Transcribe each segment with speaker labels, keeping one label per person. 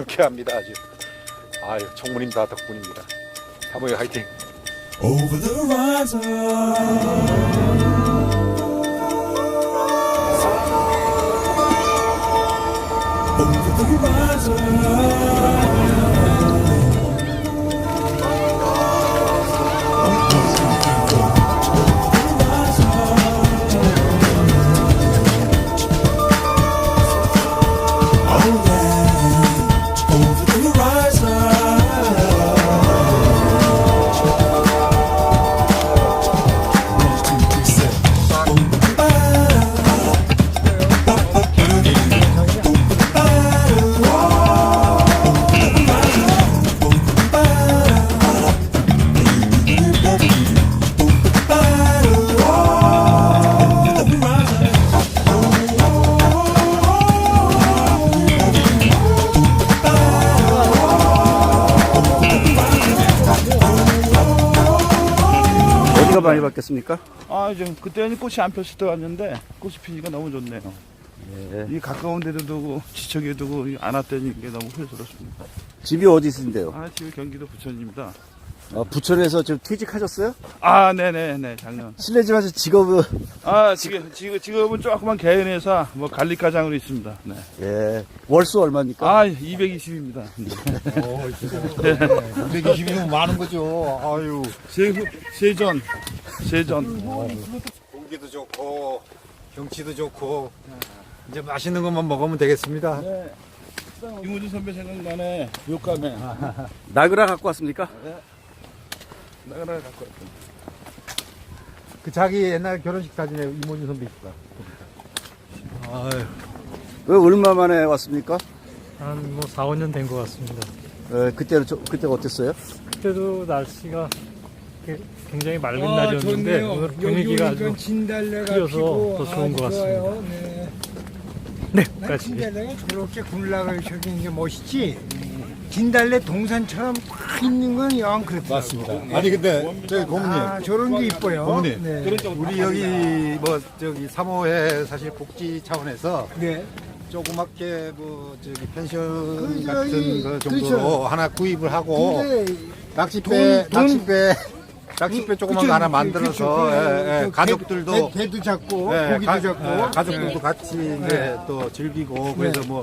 Speaker 1: 유쾌합니다. 아주. 아유, 총무님 다 덕분입니다. 사모님 화이팅.
Speaker 2: Over the horizon. Over the horizon. Oh yeah, over the horizon.
Speaker 3: 어디가 많이 바뀌었습니까?
Speaker 4: 아, 지금 그때는 꽃이 안 폈을 때 왔는데 꽃이 피니까 너무 좋네요.
Speaker 3: 예.
Speaker 4: 이 가까운 데도 두고 지척에 두고 안 왔다니 이게 너무 후회스럽습니다.
Speaker 3: 집이 어디 있으신데요?
Speaker 4: 아, 지금 경기도 부천입니다.
Speaker 3: 부천에서 지금 퇴직하셨어요?
Speaker 4: 아, 네네네, 작년.
Speaker 3: 실례지만 직업은
Speaker 4: 아, 지금은 조그만 개인회사 뭐 관리과장으로 있습니다. 네.
Speaker 3: 예. 월수 얼마입니까?
Speaker 4: 아, 220입니다.
Speaker 1: 120이면 많은 거죠. 아유.
Speaker 4: 세전.
Speaker 1: 공기도 좋고 경치도 좋고 이제 맛있는 것만 먹으면 되겠습니다.
Speaker 4: 네. 이모진 선배 생각나네. 욕감에.
Speaker 3: 나그라 갖고 왔습니까?
Speaker 4: 나가라 갖고 왔다.
Speaker 1: 그 자기 옛날 결혼식 사진에 이모진 선배 있다.
Speaker 3: 왜 얼마 만에 왔습니까?
Speaker 5: 한 뭐 4, 5년 된 것 같습니다.
Speaker 3: 그때가 어땠어요?
Speaker 5: 그때도 날씨가 굉장히 맑은 날이었는데 오늘 분위기가 아주 풀려서 더 좋은 것 같습니다. 네, 까지.
Speaker 6: 진달래가 저렇게 군락을 저기는 게 멋있지. 진달래 동산처럼 꽉 있는 건 영 그렇더라고.
Speaker 1: 맞습니다. 아니 근데 저기 고모님,
Speaker 6: 아, 저런 게 이뻐요.
Speaker 1: 고모님,
Speaker 6: 네.
Speaker 1: 우리 여기 뭐 저기 사모회 사실 복지 차원에서
Speaker 6: 네.
Speaker 1: 조그맣게 뭐 저기 펜션
Speaker 6: 그
Speaker 1: 같은
Speaker 6: 저기,
Speaker 1: 그 정도로
Speaker 6: 그렇죠.
Speaker 1: 하나 구입을 하고
Speaker 6: 근데
Speaker 1: 낚싯배 조그만 거 하나
Speaker 6: 그쵸,
Speaker 1: 만들어서
Speaker 6: 그
Speaker 1: 가족들도
Speaker 6: 개도 잡고
Speaker 1: 예,
Speaker 6: 고기도 잡고
Speaker 1: 가족들도 같이 이제 또 즐기고 그래서 뭐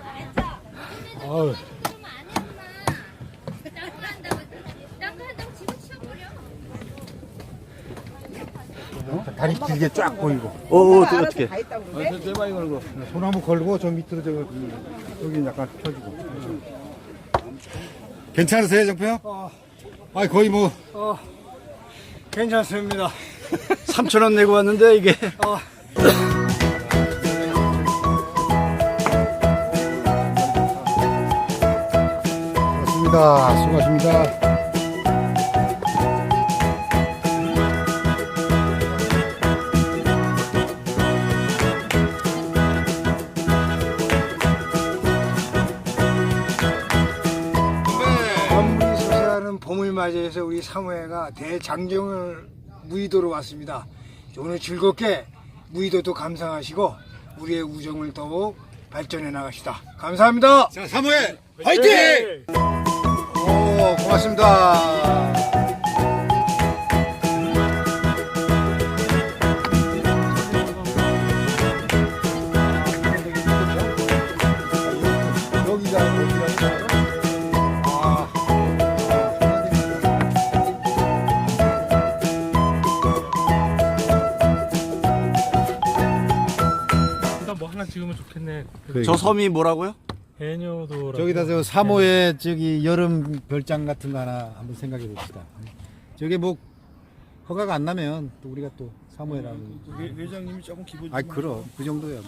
Speaker 1: 다리 길게 쫙 보이고
Speaker 3: 어떻게?
Speaker 4: 대박이 걸고.
Speaker 1: 소나무 걸고 저 밑으로 여기 약간 펴주고 괜찮으세요 정표요? 아 거의 뭐
Speaker 6: 괜찮습니다.
Speaker 3: 3,000원 내고 왔는데 이게
Speaker 1: 수고하십니다.
Speaker 6: 밤물이 솟아나는 봄을 맞이해서 우리 사무회가 대장정을 무의도로 왔습니다. 오늘 즐겁게 무의도도 감상하시고 우리의 우정을 더욱 발전해 나갑시다. 감사합니다.
Speaker 1: 자, 사무회 화이팅! 오, 고맙습니다.
Speaker 5: 일단 뭐 하나 찍으면 좋겠네.
Speaker 3: 저 섬이 뭐라고요?
Speaker 5: 해녀도
Speaker 1: 저기다 저 사모의 저기 여름 별장 같은 거 하나 한번 생각해 봅시다. 저게 뭐 허가가 안 나면 또 우리가 또 사모회라는.
Speaker 4: 회장님이 조금 기분
Speaker 1: 아 그럼 그 정도야.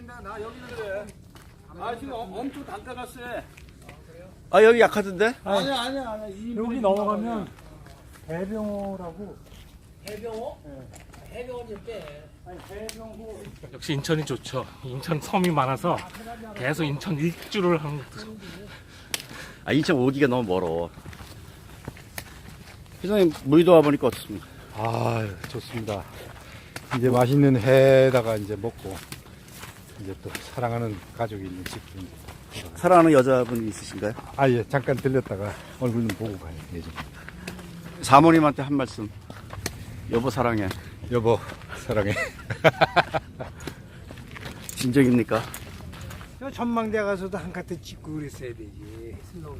Speaker 4: 아 지금 엄청 단가가 세.
Speaker 3: 아 여기 약하던데?
Speaker 4: 아니야.
Speaker 5: 여기 넘어가면 대병호라고. 역시 인천이 좋죠. 인천 섬이 많아서 계속 인천 일주를 하는 것도.
Speaker 3: 아 인천 오기가 너무 멀어. 회장님 무의도 와보니까 어떻습니까?
Speaker 1: 아, 좋습니다. 이제 맛있는 회에다가 이제 먹고 이제 또 사랑하는 가족이 있는 집도
Speaker 3: 사랑하는 여자분이 있으신가요?
Speaker 1: 아, 예, 잠깐 들렸다가 얼굴 좀 보고 가요. 예전.
Speaker 3: 사모님한테 한 말씀. 여보 사랑해.
Speaker 1: 여보, 사랑해.
Speaker 3: 진정입니까?
Speaker 6: 저 전망대 가서도 한 카트 찍고 그랬어야 되지. 슬로우.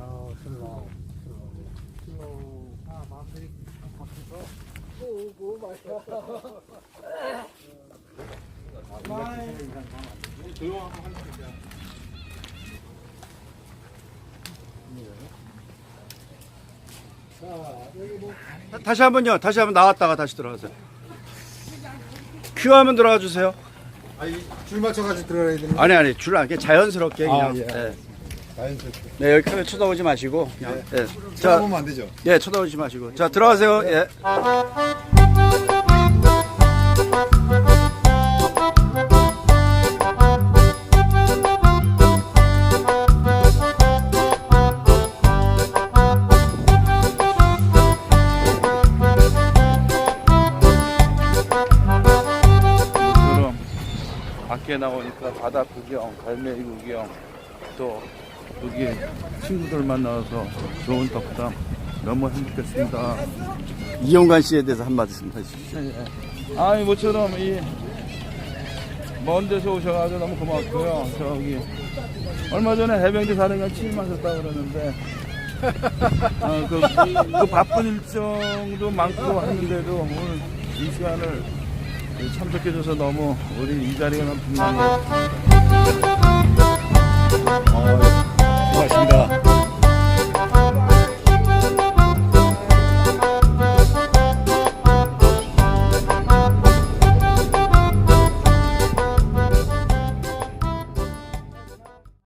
Speaker 6: 아, 마음들이 바뀌어서. 오, 맛있어.
Speaker 3: 다시 한번요. 다시 한번 나왔다가 다시 들어가세요. 큐 하면 들어가 주세요.
Speaker 1: 아니, 줄 맞춰가지고 들어가야 되는
Speaker 3: 아니 줄 안, 그냥 자연스럽게 그냥.
Speaker 1: 아, 예.
Speaker 3: 네.
Speaker 1: 자연스럽게.
Speaker 3: 네, 여기 카메라 쳐다보지 마시고 그냥. 네. 자,
Speaker 1: 쳐다보면 안 되죠?
Speaker 3: 예, 쳐다보지 마시고. 자, 들어가세요. 예.
Speaker 4: 그럼 밖에 나오니까 바다 구경, 갈매기 구경, 또 여기 친구들 만나서 좋은 덕담 너무 행복했습니다.
Speaker 3: 이용관 씨에 대해서 한 말씀 해주십시오.
Speaker 4: 아이 모처럼 이 먼 데서 오셔가지고 너무 고맙고요. 저기 얼마 전에 해병대 사령관 취임하셨다고 그러는데 그 바쁜 일정도 많고 했는데도 오늘 이 시간을 참석해줘서 너무 우리 이 자리가 너무 빛나고